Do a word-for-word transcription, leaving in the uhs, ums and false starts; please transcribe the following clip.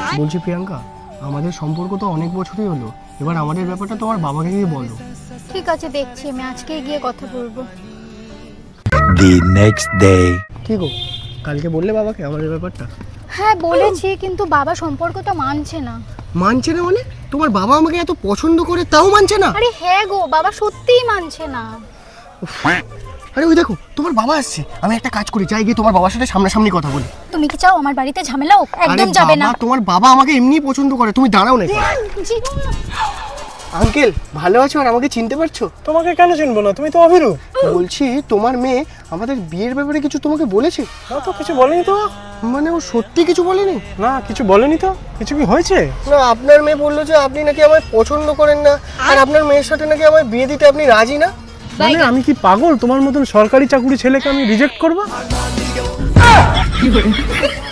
বলছি প্রিয়াঙ্কা, আমাদের সম্পর্ক তো অনেক বছরই হলো, এবার আমাদের ব্যাপারটা তোমার বাবাকে গিয়ে বলো। ঠিক আছে, দেখছি আমি আজকে গিয়ে কথা বলবো। The next day. কি গো, কালকে বললে বাবাকে আমাদের ব্যাপারটা? হ্যাঁ বলেছি, কিন্তু বাবা সম্পর্কটা মানছে না। মানছে না মানে? তোমার বাবা আমাকে এত পছন্দ করে তাও মানছে না? আরে হ্যাঁ গো, বাবা সত্যিই মানছে না। আরে ওই দেখো তোমার বাবা আসছে, আমি একটা কাজ করি, যাই গিয়ে তোমার বাবার সাথে সামনাসামনি কথা বলি। তুমি কি চাও আমার বাড়িতে ঝামেলা হোক? আরে একদম যাবে না। বাবা, তোমার বাবা আমাকে এমনিই পছন্দ করে, তুমি দাঁড়াও না একটু। আঙ্কেল ভালো আছো? আর আমাকে চিনতে পারছো? তোমাকে কেন চিনবো না, তুমি তো অভিরূপ। বলছি তোমার মেয়ে আমাদের বিয়ের ব্যাপারে কিছু তোমাকে বলেছে? না তো, কিছু বলেনি তো। মানে ও সত্যি কিছু বলেনি? না, কিছু বলেনি তো। কিছু কি হয়েছে? না, আপনার মেয়ে বললো যে আপনি নাকি আমায় পছন্দ করেন না, আর আপনার মেয়ের সাথে নাকি আমায় বিয়ে দিতে আপনি রাজি না। মানে আমি কি পাগল? তোমার মতন সরকারি চাকুরি ছেলেকে আমি রিজেক্ট করবো?